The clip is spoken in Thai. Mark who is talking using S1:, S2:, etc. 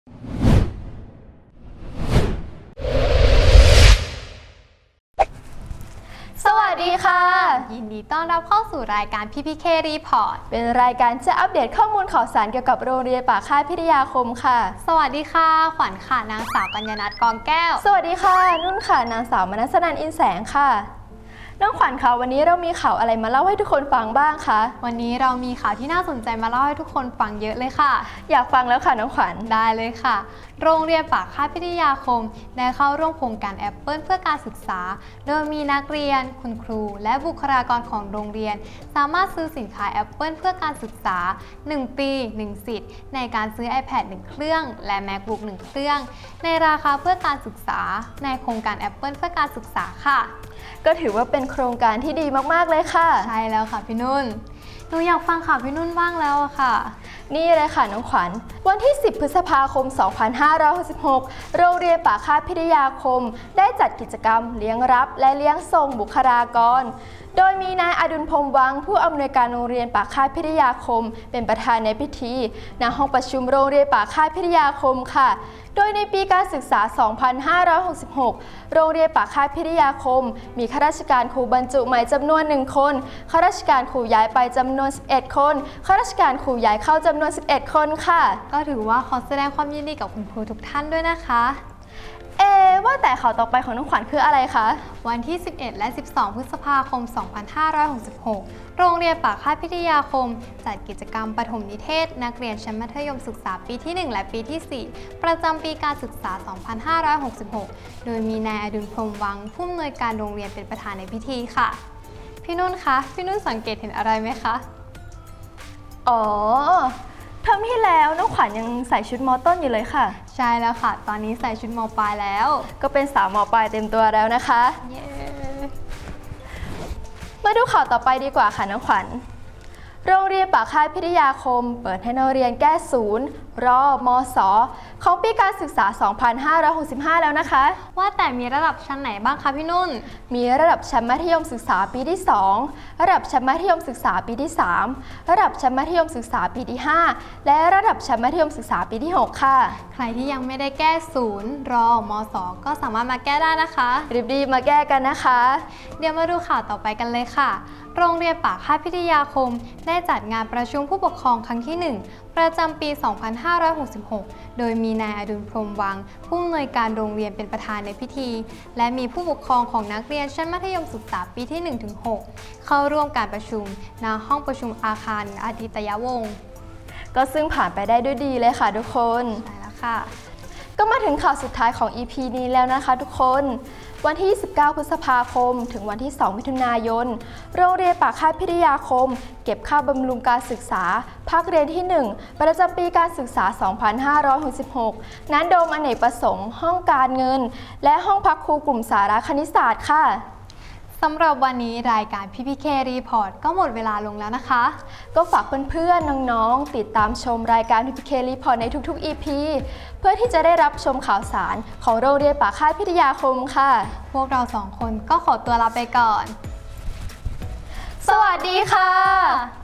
S1: สวัสดีค่ะ
S2: ยินดีต้อนรับเข้าสู่รายการ PPK Report
S1: เป็นรายการจะอัปเดตข้อมูลข่าวสารเกี่ยวกับโรงเรียนปากค่ายพิทยาคมค่ะ
S2: สวัสดีค่ะขวัญค่ะนางสาวกัญญนัทกองแก้ว
S1: สวัสดีค่ะนุ่นค่ะนางสาวมนัสนันท์อินแสงค่ะน้องขวัญคะวันนี้เรามีข่าวอะไรมาเล่าให้ทุกคนฟังบ้างคะ
S2: วันนี้เรามีข่าวที่น่าสนใจมาเล่าให้ทุกคนฟังเยอะเลยค่ะ
S1: อยากฟังแล้วค่ะน้องขวัญ
S2: ได้เลยค่ะโรงเรียนปากค่ายพิทยาคมได้เข้าร่วมโครงการแอปเปิลเพื่อการศึกษาโดยมีนักเรียนคุณครูและบุคลากรของโรงเรียนสามารถซื้อสินค้าแอปเปิลเพื่อการศึกษา1 ปี 1 สิทธิ์ในการซื้อ iPad 1 เครื่องและ MacBook 1 เครื่องในราคาเพื่อการศึกษาในโครงการแอปเปิลเพื่อการศึกษาค่ะ
S1: ก็ถือว่าเป็นโครงการที่ดีมากๆเลยค่ะ
S2: ใช่แล้วค่ะพี่นุ่นหนูอยากฟังข่าวพี่นุ่นบ้างแล้วค่ะ
S1: นี่เลยค่ะน้องขวัญวันที่ 10 พฤษภาคม 2566 โรงเรียนปากค่ายพิทยาคมได้จัดกิจกรรมเลี้ยงรับและเลี้ยงส่งบุคลากรโดยมีนายอดุลพรหมวังผู้อำนวยการโรงเรียนปากค่ายพิทยาคมเป็นประธานในพิธีณห้องประชุมโรงเรียนปากค่ายพิทยาคมค่ะโดยในปีการศึกษา 2566 โรงเรียนปากค่ายพิทยาคมมีข้าราชการครูบรรจุใหม่จำนวน1 คนข้าราชการครูย้ายไปจำนวน11 คนข้าราชการครูย้ายเข้าจำนวน11 คนค่ะ
S2: ก็ถือว่าขอแสดงความยินดีกับคุณครูทุกท่านด้วยนะคะ
S1: ว่าแต่ข่าวต่อไปของน้องขวัญคืออะไรคะ
S2: วันที่ 11 และ 12 พฤษภาคม 2566 โรงเรียนปากค่ายพิทยาคมจัดกิจกรรมปฐมนิเทศนักเรียนชั้นมัธยมศึกษาปีที่ 1 และปีที่ 4 ประจำปีการศึกษา 2566 โดยมีนายอดุลพรหมวังผู้อำนวยการโรงเรียนเป็นประธานในพิธีค่ะพี่นุ่นคะพี่นุ่นสังเกตเห็นอะไรไหมคะ
S1: เทอมที่แล้วน้องขวัญยังใส่ชุดม.ต้นอยู่เลยค่ะ
S2: ใช่แล้วค่ะตอนนี้ใส่ชุดม.ปลายแล้ว
S1: ก็เป็นสาวม.ปลายเต็มตัวแล้วนะคะมาดูข่าวต่อไปดีกว่าค่ะน้องขวัญโรงเรียนปากค่ายพิทยาคมเปิดให้นักเรียนแก้ศูนย์รอมสของปีการศึกษา 2565 แล้วนะคะ
S2: ว่าแต่มีระดับชั้นไหนบ้างคะพี่นุ่น
S1: มีระดับชั้นมัธยมศึกษาปีที่ 2 ระดับชั้นมัธยมศึกษาปีที่ 3 ระดับชั้นมัธยมศึกษาปีที่ 5 และระดับชั้นมัธยมศึกษาปีที่ 6 ค่ะ
S2: ใครที่ยังไม่ได้แก้ศูนย์รอมสก็สามารถมาแก้ได้นะคะ
S1: รีบๆมาแก้กันนะคะ
S2: เดี๋ยวมาดูข่าวต่อไปกันเลยค่ะโรงเรียนปากค่ายพิทยาคมได้จัดงานประชุมผู้ปกครองครั้งที่ 1 ประจำปี 2566 โดยมีนายอดุลพรหมวังผู้อำนวยการโรงเรียนเป็นประธานในพิธีและมีผู้ปกครองของนักเรียนชั้นมัธยมศึกษาปีที่ 1-6 เข้าร่วมการประชุมณห้องประชุมอาคารอาทิตยวงศ์
S1: ก็ซึ่งผ่านไปได้ด้วยดีเลยค่ะทุกคน
S2: ใช่แล้วค่ะ
S1: ก็มาถึงข่าวสุดท้ายของ EP นี้แล้วนะคะทุกคนวันที่ 29 พฤษภาคมถึงวันที่ 2 มิถุนายนโรงเรียนปากค่ายพิทยาคมเก็บค่าบำรุงการศึกษาภาคเรียนที่ 1 ประจำปีการศึกษา 2566 ณ โดมอเนกประสงค์ห้องการเงินและห้องพักครูกลุ่มสาระคณิตศาสตร์ค่ะ
S2: สำหรับวันนี้รายการ PPK Report ก็หมดเวลาลงแล้วนะคะ
S1: ก็ฝากเพื่อนๆน้องๆติดตามชมรายการ PPK Report ในทุกๆ EP เพื่อที่จะได้รับชมข่าวสารของโรงเรียนปากค่ายพิทยาคมค่ะ
S2: พวกเรา2 คนก็ขอตัวลาไปก่อน
S1: สวัสดีค่ะ